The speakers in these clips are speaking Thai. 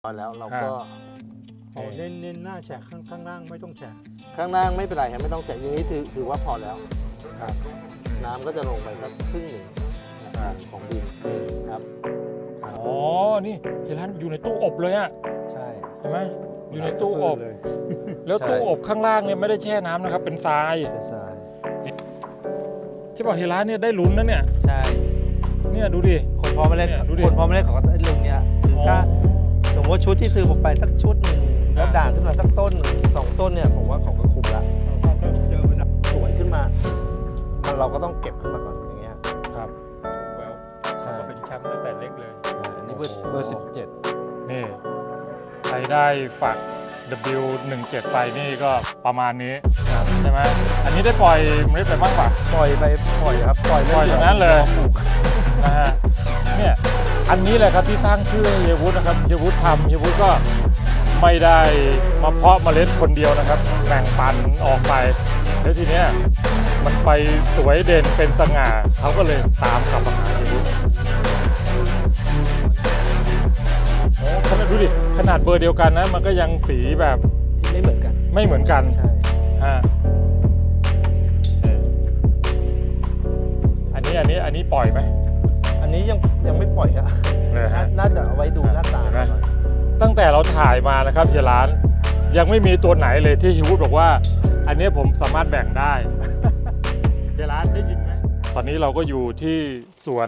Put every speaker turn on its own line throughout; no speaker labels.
แล้วเราก็
เน้นหน้าแฉะข้างล่างไม่ต้องแฉะ
ข้างล่างไม่เป็นไรครับไม่ต้องแฉะอย่างนี้ถือว่าพอแล้วครับน้ำก็จะลงไปสักครึ่งหนึ่งของดินครับ
อ๋อนี่เห็นร้านอยู่ในตู้อบเลยอะ
ใช่
เห็นไหมอยู่ในตู้อบ
เลย
แล้วตู้อบข้างล่างเนี่ยไม่ได้แช่น้ำนะครับเป็นทราย
เป็นทราย
ที่บอกเฮร้านเนี่ยได้ลุ้นนะเนี่ย
ใช่
เนี่ยดูดิ
คนพร้อมมาเล่น
เนี่ยดูดิ
คนพร้อมมาเล่นเขาก็ได้ลงเนี้ยคือถ้าสมมติว่าชุดที่ซื้อผมไปสักชุดหนึ่งแล้วด่างขึ้นมาสักต้นสองต้นเนี่ยผมว่าเขาก็คุ้มละ
เจอมันดับ
สวยขึ้นมาเราก็ต้องเก็บขึ้นมาก่อนอย่างเงี้ย
ครับ
แวว
ใช่
ก็เป็นแชมป์ตั้งแต่เล็กเลย
อันนี้เบอร์17
นี่ใครได้ฝัก W17 ไปนี่ก็ประมาณนี้ใช่ไหมอันนี้ได้ปล่อยเมล็ดไปบ้างป่ะ
ปล่อยครับปล่อย
ปล่อยอย่างนั้นเลยนะฮะเนี่ยอันนี้แหละครับที่ตั้งชื่อเฮียวุฒินะครับเฮียวุฒิทำเฮียวุฒิก็ไม่ได้มาเพาะเมล็ดคนเดียวนะครับแบ่งปันออกไปแล้วทีเนี้ยมันไปสวยเด่นเป็นสง่าเขาก็เลยตามกลับมาหาเฮียวุฒิโอ้ขนาดดูดิขนาดเบอร์เดียวกันนะมันก็ยังสีแบบ
ที่ไม่เหมือนกัน
ไม่เหมือนกัน
ใช่
ฮะอันนี้ปล่อยไหม
อันนี้ยังไม่ปล่อยอะ
เลยฮะ
น่าจะเอาไว้ดูหน้าตา
เห็นไหม
หน่อย
ตั้งแต่เราถ่ายมานะครับเฮียร้านยังไม่มีตัวไหนเลยที่ฮิวุฒบอกว่า อันนี้ผมสามารถแบ่งได้ เฮียร้านได้ยินไหมตอนนี้เราก็อยู่ที่สวน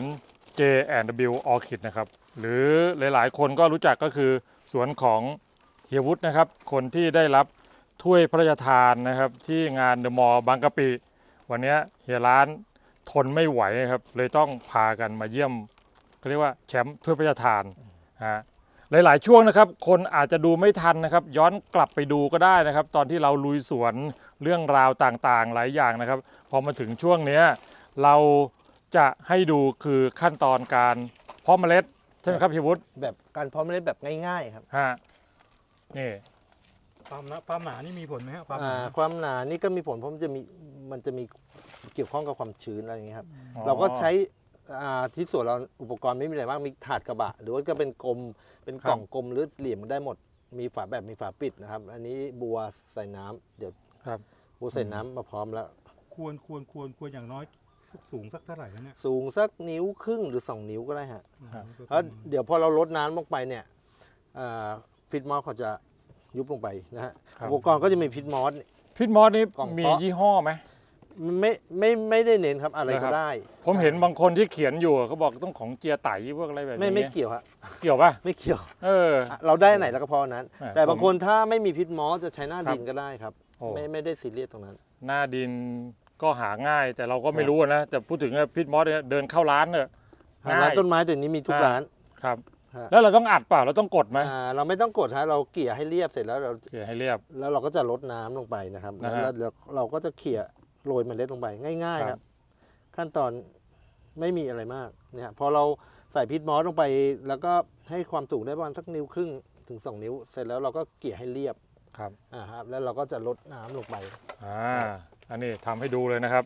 J&W Orchid นะครับหรือหลายๆ คนก็รู้จักก็คือสวนของเฮียวุฒินะครับคนที่ได้รับถ้วยพระราชทานนะครับที่งานเดอะมอลล์บางกะปิวันนี้เฮียร้านทนไม่ไหวครับเลยต้องพากันมาเยี่ยมเขาเรียกว่าแชมป์ถ้วยพระราชทานฮะหลายๆช่วงนะครับคนอาจจะดูไม่ทันนะครับย้อนกลับไปดูก็ได้นะครับตอนที่เราลุยสวนเรื่องราวต่างๆหลายอย่างนะครับพอมาถึงช่วงนี้เราจะให้ดูคือขั้นตอนการเพาะเมล็ดใช่ไหมครับเฮียวุฒิ
แบบการเพาะเมล็ดแบบง่ายๆครับ
ฮะนี่
ความหนานี่มีผลไหมครับความหนา
ความหนานี่ก็มีผลเพราะมันจะมีเกี่ยวข้องกับความชื้นอะไรอย่างเงี้ยครับเราก็ใช้ที่ส่วนเราอุปกรณ์ไม่มีอะไรมากมีถาดกระบะหรือว่าก็เป็นกลมเป็นกล่องกลมหรือเหลี่ยมได้หมดมีฝาแบบมีฝาปิดนะครับอันนี้บัวใส่น้ำเดี๋ยว
ครับ
บัวใส่น้ำมาพร้อมแล้ว
ควรอย่างน้อยสูงสักเท่าไหร่แล้วเนี่ย
สูงสักนิ้วครึ่งหรือ2 นิ้วก็ได้ฮะ
ครับ
แล้วเดี๋ยวพอเราลดน้ำลงไปเนี่ยพิษมอสเขาจะยุบลงไปนะฮะ
ครับ
อุปกรณ์ก็จะมีพิษมอส
พิษมอสนี่
กล่อง
มี
เพาะ
ยี่ห้อไหม
ไม่ได้เน้นครับอะไร
นะครับ
ก็ได้
ผมเห็นบางคนที่เขียนอยู่เขาบอกต้องของเจียไตพวกอะไรแบบนี้
ไม่เกี่ยวฮะ
เกี่ยวป่ะ
ไม่เกี่ยว
เออ
เราได้ไหนแล้วก็พอนั้น
อ่า
แต่บางคนถ้าไม่มีพิษมอสจะใช้หน้า
ครับ
ดินก็ได้ครับ
โอ้
ไม่ได้ซีเรียสตรงนั้น
หน้าดินก็หาง่าย แต่เราก็ไม่รู้นะแต่พูดถึงพิษมอสเนี่ยเดินเข้าร้านเนี่ยง่าย
ร้านต้นไม้ตัวนี้มีทุกร้าน
ครับ
ฮะ
แล้วเราต้องอัดเปล่าเราต้องกดไหม
เราไม่ต้องกดฮะเราเกลี่ยให้เรียบเสร็จแล้วเรา
เกี่ยให้เรียบ
แล้วเราก็จะลดน้ำลงไปนะครับ
นะฮะ
แล้วเราก็จะเขี่ยโรยเมล็ดลงไปง่ายๆ
ค
ค
รั
รับ บ ขั้นตอนไม่มีอะไรมากเนี่ยพอเราใส่พิษมอสลงไปแล้วก็ให้ความสูงได้ประมาณสักนิ้วครึ่งถึง2 นิ้ว เสร็จแล้วเราก็เกลี่ยให้เรียบ
ครับ
ครับแล้วเราก็จะลดน้ำลงไป
อันนี้ทำให้ดูเลยนะครับ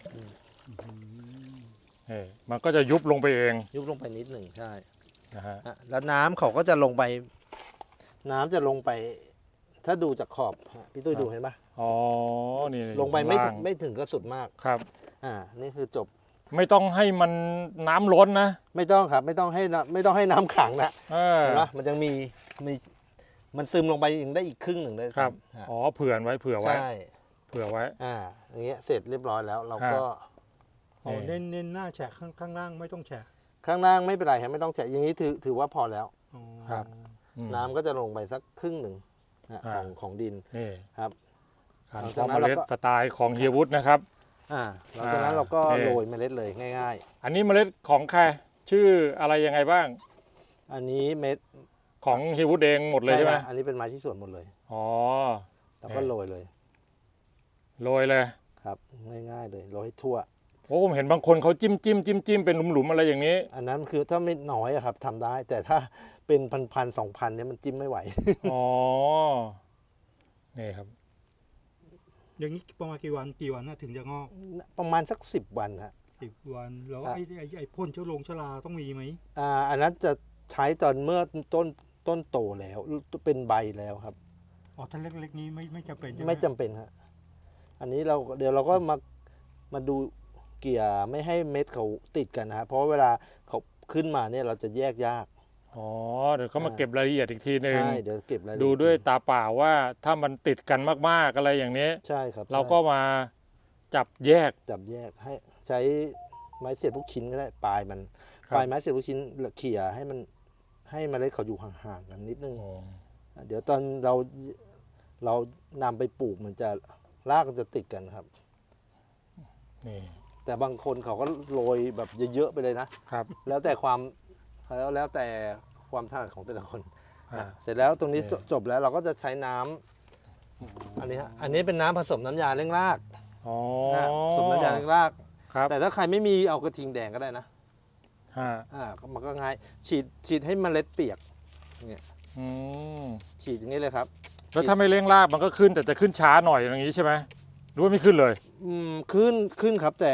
นี่มันก็จะยุบลงไปเอง
ยุบลงไปนิดหนึ่งใช่
นะฮะ
แล้วน้ำเขาก็จะลงไป น้ำจะลงไป ถ้าดูจากขอบพี่ตุ้ยดูเห็นปะ
อ๋อนี่
ลงไปไม่
ข้า
ถึงก็สุดมาก
ครับ
นี่คือจบ
ไม่ต้องให้มันน้ำล้นนะ
ไม่ต้องครับไม่ต้องให้น้ำขังนะ
เออ
เห็นปะมันยังมีมันซึมลงไปยังได้อีกครึ่งหนึ่งเลย
ครับ
ฮะ
อ๋อเผื่อไว้เผื่อไว้
ใช่
เผื่อไว้
อย่างเงี้ยเสร็จเรียบร้อยแล้วเราก็
นี่
เน้นหน้าแฉะข้างล่างไม่ต้องแฉะ
ข้างล่างไม่เป็นไรครับไม่ต้องแฉะอย่างนี้ถือว่าพอแล้ว
อ๋อ
ครับ อืม
น้ำก็จะลงไปสักครึ่งหนึ่ง
อ่า
ของดิน
นี่
ครับ
การ
หลัง
เพ
จาก
าะ
นั้
เม
น
ล็ด
เราก็
สไตล์ของเฮียวุฒินะครับ
หลังจากนั้นเราก็
นี่
โรยเมล็ดเลยง่าย
อันนี้เมล็ดของใครชื่ออะไรยังไงบ้าง
ๆ อันนี้เม็ด
ของเฮียวุฒิเองหมดเลยใช่ไหม
ฮะอันนี้เป็นไม้ที่สวนหมดเลย
อ๋อ
แล้วก็โรยเลย
โรยเลย
ครับง่ายๆเลยโรยให้ทั่ว
โอ้ผมเห็นบางคนเขาจิ้มเป็นหลุมๆอะไรอย่างนี้
อันนั้นคือถ้าไม่น้อยอะครับทำได้ แต่ถ้าเป็นพัน2,000เนี่ยมันจิ้มไม่ไหว
อ๋อ นี่ครับ
อย่างนี้ประมาณกี่วันน่าถึงจะงอก
ประมาณสัก10 วันฮะ
10 วันแล้ว
ครับ
ไอ้พ่นเชื้อราต้องมีไหม
อันนั้นจะใช้ตอนเมื่อต้นโตแล้วเป็นใบแล้วครับ
อ๋อถ้าเล็กๆนี้ไม่จำเป็นใช่ไหม
ไม่จำเป็นครับอันนี้เดี๋ยวเราก็มาดูเกี่ยไม่ให้เม็ดเขาติดกันนะครับเพราะเวลาเขาขึ้นมาเนี่ยเราจะแยกยาก
อ๋อเดี๋ยวเขามาเก็บรายละเอียดอีกทีหนึ่ง
ใช่เดี๋ยวเก็บรายละเอีย
ดูด้วยตาเปล่าว่าถ้ามันติดกันมากๆอะไรอย่างนี้
ใช่ครับ
เราก็มาจับแยก
จับแยกให้ใช้ไม้เสียบลูกชิ้นก็ได้ปลายมัน
ครับ
ปลายไม้เสียบลูกชิ้นเขี่ยให้มันให้เมล็ดเขาอยู่ห่างๆกันนิดนึง
อ๋อ
เดี๋ยวตอนเรานำไปปลูกมันจะรากจะติดกันครับ
นี่
แต่บางคนเขาก็โรยแบบเยอะๆไปเลยนะ
ครับ
แล้วแต่ความถนัดของแต่ละคน
อ่า
เสร็จแล้วตรงนี้
โอเค
จบแล้วเราก็จะใช้น้ำอันนี้ฮะอันนี้เป็นน้ำผสมน้ำยาเร่งราก
อ๋อ
ผสมน้ำยาเร่งราก
ครับ
แต่ถ้าใครไม่มีเอากระทิงแดงก็ได้นะ
ฮะ
มันก็ง่ายฉีดให้เมล็ดเปียกเนี่ย
อืม
ฉีดอย่างนี้เลยครับ
แล้วถ้าไม่เร่งรากมันก็ขึ้นแต่จะขึ้นช้าหน่อยอย่างนี้ใช่ไหมหรือว่าไม่ขึ้นเลย
ขึ้นครับแต่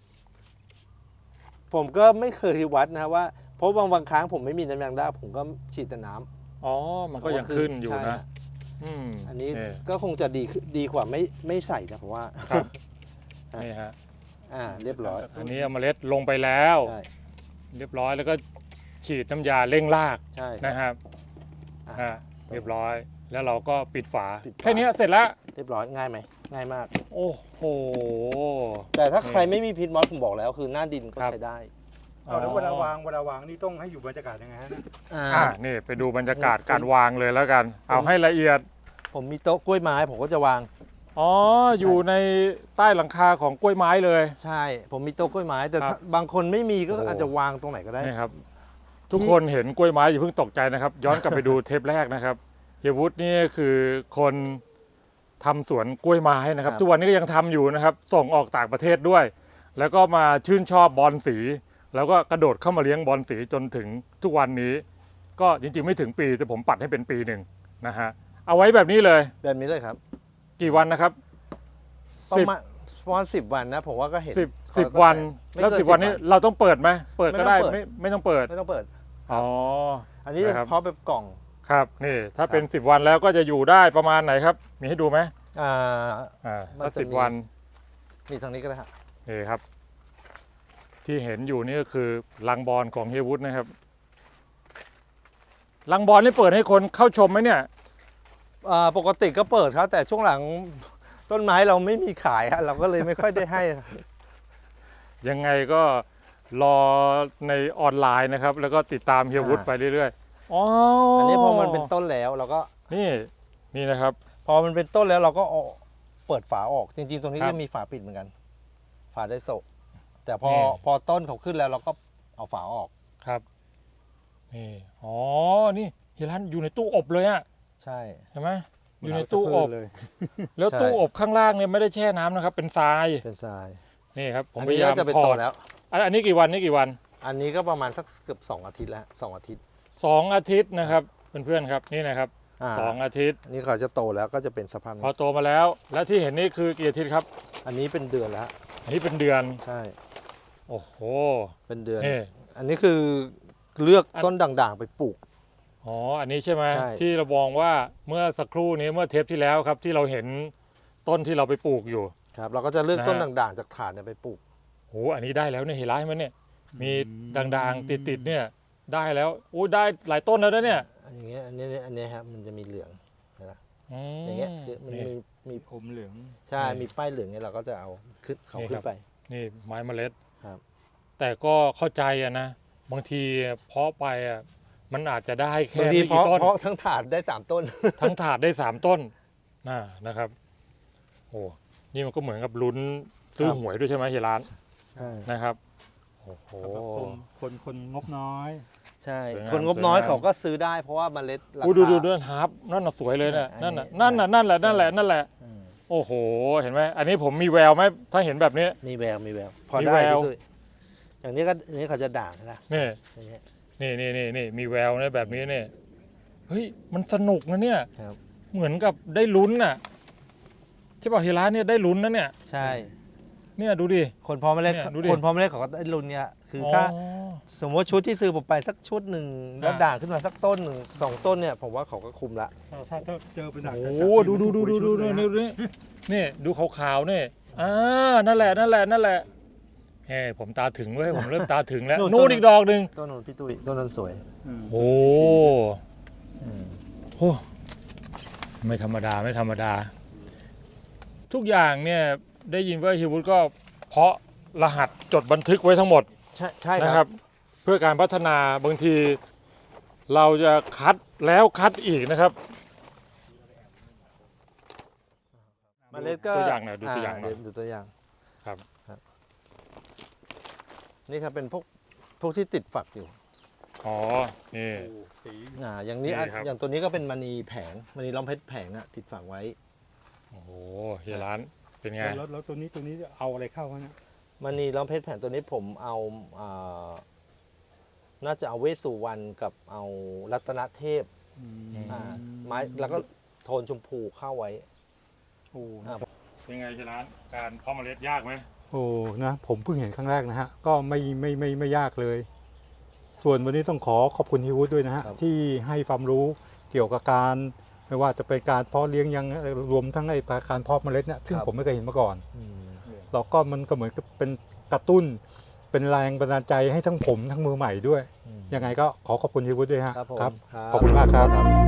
ผมก็ไม่เคยวัดนะว่าเพราะบางครั้งผมไม่มีน้ำยางรากผมก็ฉีดแต่น้ำ
อ๋อ มันก็ยังขึ้นอยู่
ใช่
นะ
ฮะ
อืม
อันนี้
นี่
ก็คงจะดีกว่าไม่ใส่นะผมว่า
ครับ นี่ฮะ
เรียบร้อย
อันนี้เอาเมล็ดลงไปแล้ว
ใช่
เรียบร้อยแล้วก็ฉีดน้ำยาเร่งราก
ใช่
นะครับ
อ่ะ
ฮะเรียบร้อยแล้วเราก็ปิดฝา
ปิดฝา
แค่นี้เสร็จแล้ว
เรียบร้อยง่ายไหมง่ายมาก
โอ้โห
แต่ถ้าใครไม่มีพิษมอสผมบอกแล้วคือหน้าดินก็
ครับ
ใช้ได้
เอาแล้วเวลาวางนี่ต้องให้อยู่บรรยากาศยังไงฮะเนี่ย
นี่ไปดูบรรยากาศการวางเลยแล้วกัน เอาให้ละเอียด
ผมมีโต๊ะกล้วยไม้ผมก็จะวาง
อ๋อ อยู่ในใต้หลังคาของกล้วยไม้เลย
ใช่ ผมมีโต๊ะกล้วยไม้ แต่
ครับ
ถ้าบางคนไม่มีก็
โอ้
อาจจะวางตรงไหนก็ได้
นี่ครับ ทุกคนเห็นกล้วยไม้อย่าเพิ่งตกใจนะครับ ย้อนกลับไปดูเทปแรกนะครับเฮียวุฒินี่คือคนทำสวนกล้วยไม้นะครับ
ครับ
ทุกวันนี้ก็ยังทำอยู่นะครับ ส่งออกต่างประเทศด้วย แล้วก็มาชื่นชอบบอลสี แล้วก็กระโดดเข้ามาเลี้ยงบอลสีจนถึงทุกวันนี้ ก็จริงๆไม่ถึงปีแต่ผมปัดให้เป็นปีหนึ่งนะฮะเอาไว้แบบนี้เลย
แบบนี้เลยครับ
กี่วันนะครับ
ประมาณ10 วันนะผมว่าก็เห็น
สิบวัน
ไม่
แล้ว
เกิน
10 วันนี้เราต้องเปิดไหมเปิดก็ได้
ไม่ต้องเปิด
ไม่ต้องเปิด
ไม่ต้องเปิด
อ๋อ
อันนี้
นะครับ
เพาะแบบกล่อง
ครับนี่ถ้าเป็น 10 วันแล้วก็จะอยู่ได้ประมาณไหนครับ มีให้ดูไหม
อ่า มัน
ถ้า
จะ
10
มี
วัน
มีทางนี้ก็ได้ฮะ
นี่ครับ ที่เห็นอยู่นี่ก็คือลังบอลของเฮียวุฒินะครับลังบอลนี่เปิดให้คนเข้าชมไหมเนี่ย
ปกติก็เปิดครับแต่ช่วงหลังต้นไม้เราไม่มีขายฮะเราก็เลยไม่ค่อยได้ให้
ยังไงก็รอในออนไลน์นะครับ แล้วก็ติดตามเฮียวุฒิไปเรื่อยๆอ๋อ
อั
อั
นนี้พอมันเป็นต้นแล้วเราก็
นี่นะครับ
พอมันเป็นต้นแล้วเราก็เอาเปิดฝาออกจริงๆ ตรงนี้
ครับ
ก็มีฝาปิดเหมือนกัน ฝาได้โซะแต่พอ
นี่
พอต้นเขาขึ้นแล้วเราก็เอาฝาออก
ครับนี่อ๋อนี่เฮียรันอยู่ในตู้อบเลยอะ
ใช่
เห็นไหมอยู่ในตู้อบ
เลย
แล้ว
ใช่
ตู้อบข้างล่างเนี่ยไม่ได้แช่น้ำนะครับ เป็นทราย
เป็นทราย
นี่ครับผม
อัน
พ
นี้
ยายาม
ก็จะเป็น
ถ
โต
อด
แล้ว
อันนี้กี่วันนี่กี่วัน
อันนี้ก็ประมาณสักเกือบ2 อาทิตย์แล้ว2 อาทิตย์
2 อาทิตย์นะครับเพื่อนๆครับนี่นะครับ
อ่า
2 อาทิตย์
นี่เขาจะโตแล้วก็จะเป็นสภาพ
พอ
นี้
โตมาแล้ว แล้วที่เห็นนี่คือกี่อาทิตย์ครับ
อันนี้เป็นเดือนแล้ว
อันนี้เป็นเดือน
ใช่
โอ้โห
เป็นเดือน
นี่
อันนี้คือเลือกต้นด่างๆไปปลูก
อ๋ออันนี้ใช่ไหม
ใช่
ที่เรามองว่าเมื่อสักครู่นี้เมื่อเทปที่แล้วครับที่เราเห็นต้นที่เราไปปลูกอยู่
ครับเราก็จะเลือก
นะฮะ
ต้นด่างๆจากถาดเนี่ยไปปลูก
โหอันนี้ได้แล้วเนี่ยเห็นร้ายไหมเนี่ยมีด่างๆติดๆเนี่ยได้แล้วโอ้ยได้หลายต้นแล้วนะเนี่ย
อย่างเงี้ยอันนี้ครับมันจะมีเหลืองนะ
ม
อย่างเงี้ยคือมัน
นี่
มี
อมเหลือง
ใช่
นี่
มีป้ายเหลืองเนี่ยเราก็จะเอาขึ้นเขา
นี่
ขึ้
ครับ
นไป
นี่ไม้เมล็ด
ครับ
แต่ก็เข้าใจอะนะบางทีเพาะไปอะมันอาจจะได้แค่
บางที
ไม่
เพ
กี่
ราะ
ต้น
เพราะทั้งถาดได้3 ต้น
ทั้งถาดได้ 3 ต้นนะครับโอ้นี่มันก็เหมือนกับลุ้นซื้อ
ครับ
หวยด้วยใช่ไหมเฮียร้าน
ใช่
นะครับโอ้โห
สำหรับคนงบน้อย
ใช่
สวยงาม
คนงบน้อย
สวยงาม
เขาก็ซื้อได้เพราะว่าเมล็ดรา
อู้
คา
ดูฮาร์ปนั่นน่ะสวยเลยเนี่ย
อั
นั่
น
น
นี้
น่ะนั่นแหละนั่นแหละ
ใช่
นั่นแหละ
อืม
โอ้โหเห็นไหมอันนี้ผมมีแววไหมถ้าเห็นแบบนี้
มีแววพอ
มี
ได้
แวว
พี่ตุ้ยอย่างนี้ก็อันนี้เขาจะด่างนะ
นี่
อย่างเงี้ย
นี่มีแววนะแบบนี้เนี่ยเฮ้ยมันสนุกนะเนี่ย
ครับ
เหมือนกับได้ลุ้นน่ะที่บอกเฮียร้านเนี่ยได้ลุ้นนะเนี่ย
ใช่
เนี่ยดูดิ
คนพอเมล็ด
เนี่ยดูดิ
คนพอเมล็ดเขาก็ได้รุ่นเนี้ยคือถ้าสมมติชุดที่ซื้อผมไปสักชุดหนึ่งแล้วด่างขึ้นมาสักต้นหนึ่ง2 ต้นเนี่ยผมว่าเขาก็คุมละ
ถ้าเจอเป็นด่าง
โอ้ดูนี่ดูขาวๆนี่นั่นแหละเฮ้ผมตาถึงเว้ยผมเริ่มตาถึงแล้วนู่นอีกดอกหนึ่ง
ต้นนนพี่ตุ้ยต้นนนสวย
โอ้โหไม่ธรรมดาทุกอย่างเนี่ยได้ยินว่าฮิวุฒก็เพาะรหัสจดบันทึกไว้ทั้งหมด
ใช่
นะ
ค
ค
รั
รับ บเพื่อการพัฒนาบางทีเราจะคัดแล้วคัดอีกนะครับ
เมล็ดก็
ตัวอย่างหน่อยดูตัวอย่างหน่อย
เดี๋วดูตัวอย่าง
ครับ
นี่ครับเป็นพวกที่ติดฝักอยู่
อ๋อนี่
สี
อย่างนี้
นี่ครับ
อย่างตัวนี้ก็เป็นมณีแผงมณีล้อมเพชรแผงติดฝักไว้
โอ้โหเฮียร้านเป็นไง
แล้วตัวนี้เอาอะไรเข้าฮะเนี่ย
มณีล้อมเพชรแผงตัวนี้ผมเอาน่าจะเอาเวสสุวรรณกับเอารัตนเทพไม้แล้วก็โทนชมพูเข้าไว้
โอ้
เป็นไงเฮียร้านการเพาะเมล็ดยากไหม
โอ้นะผมเพิ่งเห็นครั้งแรกนะฮะก็ไม่ยากเลย ส่วนวันนี้ต้องขอบคุณฮิวุฒด้วยนะฮะ
ครับ
ที่ให้ความรู้เกี่ยวกับการไม่ว่าจะเป็นการเพาะเลี้ยงยังรวมทั้งไอ้การเพาะเมล็ดเนี่ยซึ่งผมไม่เคยเห็นมาก่อน เราก็มันก็เหมือนกับเป็นกระตุ้น เป็นแรงบันดาลใจให้ทั้งผมทั้งมือใหม่ด้วย ยังไงก็ขอบคุณฮิวุฒด้วยฮะ
ครับผม
ครับ
ครับ
ขอบคุณมากครับ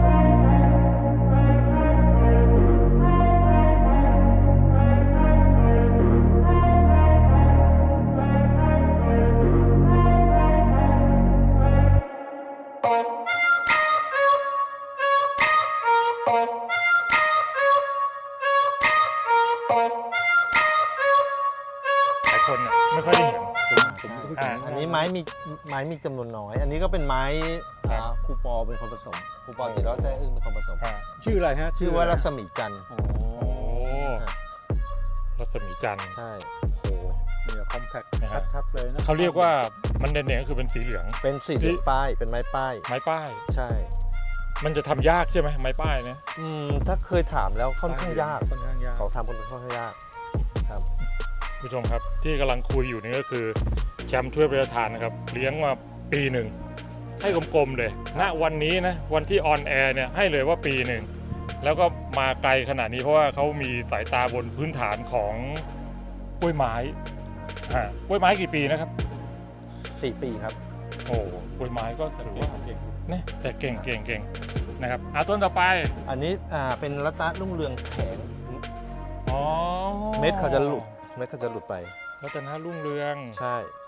หลายคนเนี่ยไม่ค่อยได้เห็น
อันนี้ไม้มีจำนวนน้อย อันนี้ก็เป็นไม้
ครับ
ครูปอเป็นคนผสมครูปอจิตรรอดแซ่อึ้งเป็นคนผสม
ชื่ออะไรฮะ
ชื่อว่ารัศมีจันทร์
โอ้
โอ้รัศมีจันทร์
ใช่
โอ้โห
เนี่ยคอมแพค
นะฮะ
ชัดๆเลยนะ
เขาเรียกว่ามันเด่นๆก็คือเป็นสีเหลือง
เป็นสีเหลืองป้ายเป็นไม้ป้าย
ไม้ป้าย
ใช่
มันจะทำยากใช่ไหมไม้ป้ายเนี่ย
ถ้าเคยถามแล้วค่อนข้างยาก
ค่อนข้างยาก
เขาทำค่อนข้างยากครับ
ผู้ชมครับที่กำลังคุยอยู่นี่ก็คือแชมป์ถ้วยพระราชทานนะครับเลี้ยงมาปีหนึ่งให้กลมๆเลยณวันนี้นะวันที่ออนแอร์เนี่ยให้เลยว่าปีหนึ่งแล้วก็มาไกลขนาดนี้เพราะว่าเขามีสายตาบนพื้นฐานของกล้วยไม้กล้วยไม้กี่ปีนะครับ
4 ปีครับ
โอ้กล้วยไม้ก็ถือว่า
เก่ง
เนี่ยแต่เก่งนะครับต้นต่อไป
อันนี้เป็นรัตนรุ่งเรืองแผง
อ๋อ
เม็ดเขาจะหลุดไป
รัตนรุ่งเรือง
ใช่